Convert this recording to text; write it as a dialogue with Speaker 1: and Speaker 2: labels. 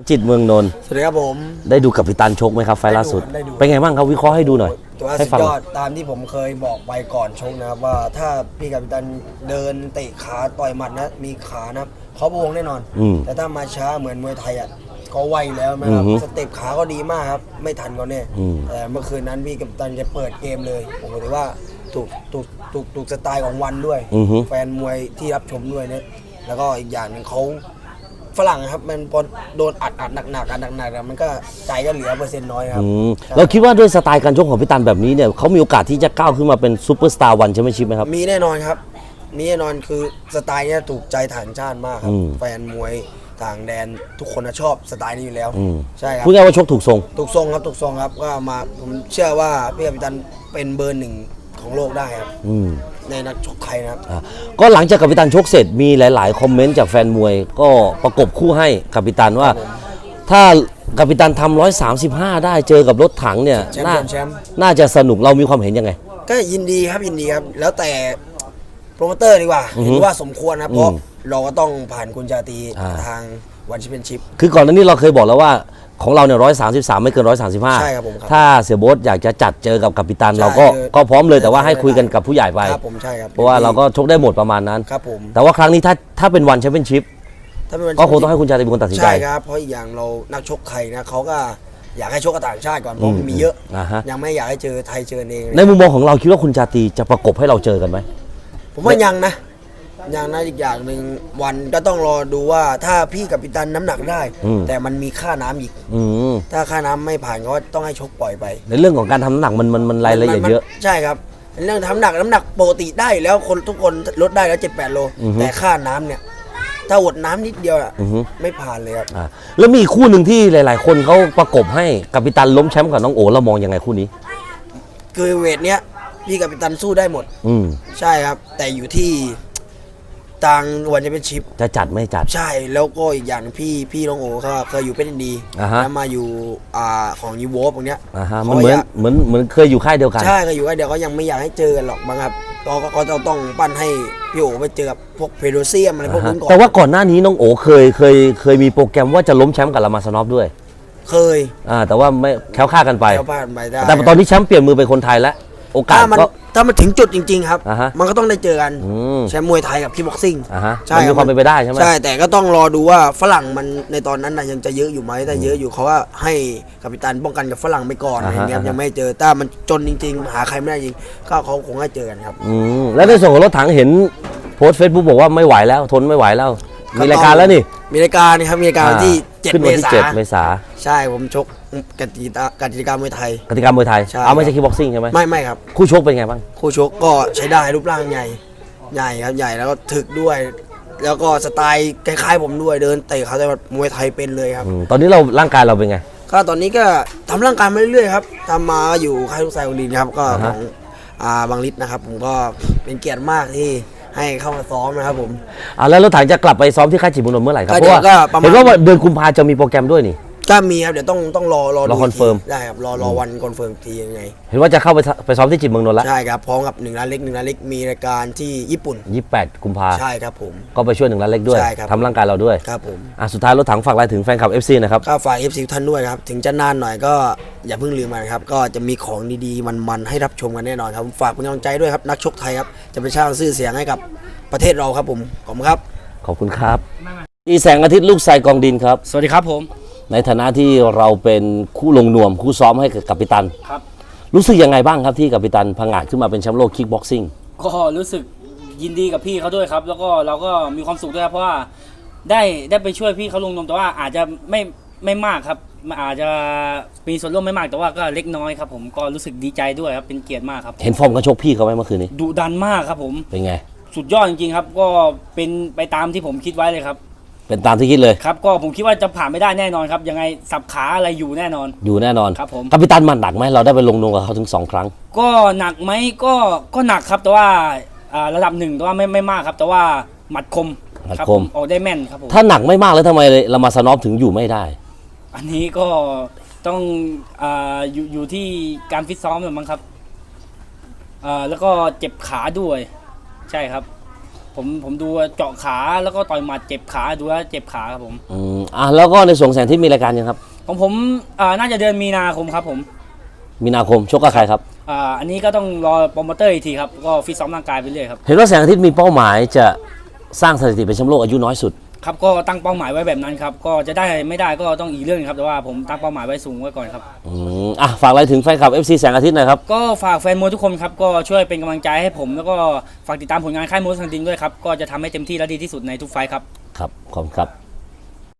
Speaker 1: จิตรเมืองนนท์
Speaker 2: สวัสดีครับผม
Speaker 1: ได้ดูกัปตันชกไหมครับไฟล์ล่าสุดเป็นไงบ้างครับวิเคราะห์ให้ดูหน่อย
Speaker 2: ตัวสุดยอดตามที่ผมเคยบอกไปก่อนชกนะครับว่าถ้าพี่กัปตันเดินเตะขาต่อยหมัดนะมีขานะเขาโบงแน่นอนแต่ถ้ามาช้าเหมือนมวยไทยอ่ะก็ไวแล้วนะครับสเต็ปขาก็ดีมากครับไม่ทันก็แน่แต่เมื่อคืนนั้นพี่กัปตันจะเปิดเกมเลยผมถือว่าถูกสไตล์ของวันด้วยแฟนมวยที่รับชมด้วยเนี่ยแล้วก็อีกอย่างหนึ่งเขาฝรั่งครับมันพอโดนอัดหนักมันก็ใจก็เหลือเปอร์เซ็นต์น้อยครับ
Speaker 1: เราคิดว่าด้วยสไตล์การชกของพี่ตันแบบนี้เนี่ยเขามีโอกาสที่จะก้าวขึ้นมาเป็นซูเปอร์สตาร์วันแชมเปี้ยนชิพไหมครับ
Speaker 2: มีแน่นอนครับมีแน่นอนคือสไตล์นี้ถูกใจต่างชาติมากครับแฟนมวยต่างแดนทุกคนชอบสไตล์นี้อยู่แล้วใช่ครับ
Speaker 1: พูดง่ายว่าชกถูกทรง
Speaker 2: ครับก็มาผมเชื่อว่าพี่กัปตันเป็นเบอร์หนึ่งของโลกได้ครับในนักชกไทยนะครับ
Speaker 1: ก็หลังจากกัปตันชกเสร็จมีหลายๆคอมเมนต์จากแฟนมวยก็ประกบคู่ให้กัปตันว่าถ้ากัปตันทำ135ได้เจอกับรถถังเนี่ยน่าจะสนุกเรามีความเห็นยังไง
Speaker 2: ก็ยินดีครับแล้วแต่โปรโมเตอร์ดีกว่าเห็นว่าสมควรนะเพราะเราก็ต้องผ่านคุณชาตรีทางวันแชมเปี้ยนชิพ
Speaker 1: คือก่อนหน้านี้เราเคยบอกแล้วว่าของเราเนี่ย133ไม่เกิน135
Speaker 2: ใช่ครับผม
Speaker 1: ถ้าเสียโบ๊ทอยากจะจัดเจอกับกัปตันเราก็พร้อมเลยแต่ว่าให้คุยกันกับผู้ใหญ่ไป
Speaker 2: ครับผมใช่ครับ
Speaker 1: เพราะว่าเราก็ชกได้หมดประมาณนั้น
Speaker 2: ครับผม
Speaker 1: แต่ว่าครั้งนี้ถ้าเป็นวันแชมเปี้ยนชิพก็คงต้องให้คุณชาตรีเป็นคนตัดสินใจ
Speaker 2: ใช่ครับเพราะอีกอย่างเรานักชกไทยนะเขาก็อยากให้ชกกับต่างชาติก่อนเพราะมีเยอะยังไม่อยากให้เจอไทยเจอเอง
Speaker 1: ในมุมมองของเราคิดว่าคุณชาตรีจะประกบให้เราเจอกันไหม
Speaker 2: ผมว่ายังนะอีกอย่างหนึ่งวันก็ต้องรอดูว่าถ้าพี่กัปตันน้ำหนักได้แต่มันมีค่าน้ำอีกถ้าค่าน้ำไม่ผ่านก็ต้องให้ชกปล่อยไป
Speaker 1: ในเรื่องของการทำน้ำหนักมันรายละเอียดเยอะ
Speaker 2: ใช่ครับเรื่องทำน้ำหนักปกติได้แล้วทุกคนลดได้แล้ว7-8 โลแต่ค่าน้ำเนี่ยถ้าอดน้ำนิดเดียวไม่ผ่านเลยครับ
Speaker 1: แล้วมีคู่หนึ่งที่หลายๆคนเขาประกบให้กัปตันล้มแชมป์กับน้องโอ๋เรามองยังไงคู่นี้
Speaker 2: คือเวทเนี้ยพี่กัปตันสู้ได้หมดใช่ครับแต่อยู่ที่ทางวันจะเป็นชิป
Speaker 1: จะจัดไม่จัด
Speaker 2: ใช่แล้วก็อีกอย่างพี่น้องโอ๋เขาเคยอยู่เป็นดีแล้วมาอยู่ของยูโวฟตรงเนี้ย
Speaker 1: มันเหมือนเคยอยู่ค่ายเดียวกัน
Speaker 2: ใช่เคยอยู่ค่ายเดียวก็ยังไม่อยากให้เจอกันหรอกบางครับก็ต้องปั้นให้พี่โอ๋ไปเจอกับพวกเพโดเซียมอะไรพวกนั้นก่อน
Speaker 1: แต่ว่าก่อนหน้านี้น้องโอ๋เคยมีโปรแกรมว่าจะล้มแชมป์กับลามาสนอฟด้วย
Speaker 2: เคย
Speaker 1: แต่ว่าไม่แคล้วคลาดกันไปแต่ตอนนี้แชมป์เปลี่ยนมือเป็นคนไทยแล้วโอกาส
Speaker 2: ถ้ามันถึงจุดจริงๆครับมันก็ต้องได้เจอกันแชมป์มวยไทยกับคิกบ็อกซิ่ง
Speaker 1: ใช่มีความเป็นไปได้ใช่ไหม
Speaker 2: ใช่แต่ก็ต้องรอดูว่าฝรั่งมันในตอนนั้นนะยังจะเยอะอยู่ไหมถ้าเยอะอยู่เขาว่าให้กัปตันป้องกันกับฝรั่งไปก่อนอะไรเงี้ยยังไม่เจอถ้ามันจนจริงๆหาใครไม่ได้จริงก็เขาคงให้เจอกันครับ
Speaker 1: แล้วในส่วนของรถถังเห็นโพสต์เฟซบุ๊กบอกว่าไม่ไหวแล้วทนไม่ไหวแล้วมีรายการแล้วนี่
Speaker 2: มีรายการครับมีรายการที่7 เมษายนใช่ผมชกกติกามวยไทย
Speaker 1: เอาไม่ใช่คิกบ็อกซิ่งใช่ไหม
Speaker 2: ไม่ครับ
Speaker 1: คู่ชกเป็นไงบ้าง
Speaker 2: คู่ชกก็ใช้ได้รูปร่างใหญ่ครับใหญ่แล้วก็ถึกด้วยแล้วก็สไตล์คล้ายๆผมด้วยเดินเตะเขาแต่มวยไทยเป็นเลยครับ
Speaker 1: ตอนนี้ร่างกายเราเป็นไง
Speaker 2: ก็ตอนนี้ก็ทำร่างกายมาเรื่อยๆครับทำมาอยู่ค่ายลูกชายของดินครับก็ของบางฤทธิ์นะครับผมก็เป็นเกียรติมากที่ให้เข้ามาซ้อมนะครับผม
Speaker 1: แล้วรถถังจะกลับไปซ้อมที่ค่ายจิตรเมืองนนท์เมื่อไหร่ครับเพราะว่าเห็นว่าเดือนกุมภาจะมีโปรแกรมด้วยนี่
Speaker 2: ก็มีครับเดี๋ยวต้องรอ
Speaker 1: คอนเฟิร์ม
Speaker 2: ได้ครับรอวันคอนเฟิร์มทียังไง
Speaker 1: เห็นว่าจะเข้าไปซ้อมที่จิตรเมืองนนท์แล้ว
Speaker 2: ใช่ครับพร้อมกับ1 ล้านเล็กมีรายการที่ญี่ปุ่น
Speaker 1: 28 กุมภา
Speaker 2: ใช่ครับผม
Speaker 1: ก็ไปช่วย1 ล้านเล็กด้วยทำร่างกายเราด้วย
Speaker 2: ครับผม
Speaker 1: สุดท้ายรถถังฝากอะไรถึงแฟนคลับ FC นะครับ
Speaker 2: ก็ฝาก FC ท่านด้วยครับถึงจะนานหน่อยก็อย่าเพิ่งลืมมันครับก็จะมีของดีๆมันให้รับชมกันแน่นอนครับฝากเป็นกำลังใจด้วยครับนักชกไทยครับจะไปสร้างชื่อเสียงให้กับประเทศเราครับผมขอบคุณครับ
Speaker 1: ขอบคุณครับอีแสงอาทิตย์ลูกชายกองดินครับ
Speaker 3: สวัสดีครับผม
Speaker 1: ในฐานะที่เราเป็นคู่ลงนวมคู่ซ้อมให้กับกัปตัน
Speaker 3: ครับ
Speaker 1: รู้สึกยังไงบ้างครับที่กัปตันพังอาจขึ้นมาเป็นแชมป์โลกคิกบ็อกซิ่ง
Speaker 3: ก็รู้สึกยินดีกับพี่เขาด้วยครับแล้วก็เราก็มีความสุขด้วยครับเพราะว่าได้ไปช่วยพี่เขาลงนวมแต่ว่าอาจจะไม่มากครับอาจจะมีส่วนร่วมไม่มากแต่ว่าก็เล็กน้อยครับผมก็รู้สึกดีใจด้วยครับเป็นเกียรติมากครับ
Speaker 1: เห็นฟอร์มการชกพี่เขาไหมเมื่อคืนนี้
Speaker 3: ดุดันมากครับผม
Speaker 1: เป็นไง
Speaker 3: สุดยอดจริงๆครับก็เป็นไปตามที่ผมคิดไว้เลยครับ
Speaker 1: เป็นตามที่คิดเลย
Speaker 3: ครับก็ผมคิดว่าจะผ่านไม่ได้แน่นอนครับยังไงสับขาอะไรอยู่แน่นอนครับผม
Speaker 1: กัปตันมันหนักไหมเราได้ไปลงนวมกับเขาถึง2 ครั้ง
Speaker 3: ก็หนักไหมก็หนักครับแต่ว่าระดับ1แต่ว่าไม่มากครับแต่ว่าหมัดคมออกได้แม่นครับผม
Speaker 1: ถ้าหนักไม่มากแล้วทำไมลามาสนอฟถึงอยู่ไม่ได้
Speaker 3: อันนี้ก็ต้องอยู่ที่การฟิตซ้อมหรือมั้งครับแล้วก็เจ็บขาด้วยใช่ครับผมดูเจาะขาแล้วก็ต่อยหมัดเจ็บขาดูแล้วเจ็บขาครับผม
Speaker 1: แล้วก็ในส่วนแสงที่มีรายการยังครับ
Speaker 3: ของผมน่าจะเดือนมีนาคมครับผม
Speaker 1: มีนาคมชกกับใครครับ
Speaker 3: อันนี้ก็ต้องรอโปรโมเตอร์อีกทีครับก็ฟิตซ้อมร่างกายไปเรื่อยครับ
Speaker 1: เห็นว่าแสงอาทิตย์มีเป้าหมายจะสร้างสถิติเป็นแชมป์โลกอายุน้อยสุด
Speaker 3: ครับก็ตั้งเป้าหมายไว้แบบนั้นครับก็จะได้ไม่ได้ก็ต้องอีกเรื่องครับแต่ว่าผมตั้งเป้าหมายไว้สูงไว้ก่อนครับ
Speaker 1: ฝากอะไรถึงแฟนคลับ FC แสงอาทิตย์หน่อยครับ
Speaker 3: ก็ฝากแฟนมวยทุกคนครับก็ช่วยเป็นกำลังใจให้ผมแล้วก็ฝากติดตามผลงานค่ายมวยสังดินด้วยครับก็จะทำให้เต็มที่และดีที่สุดในทุกไฟท์ครับ
Speaker 1: ครับขอบคุณครับ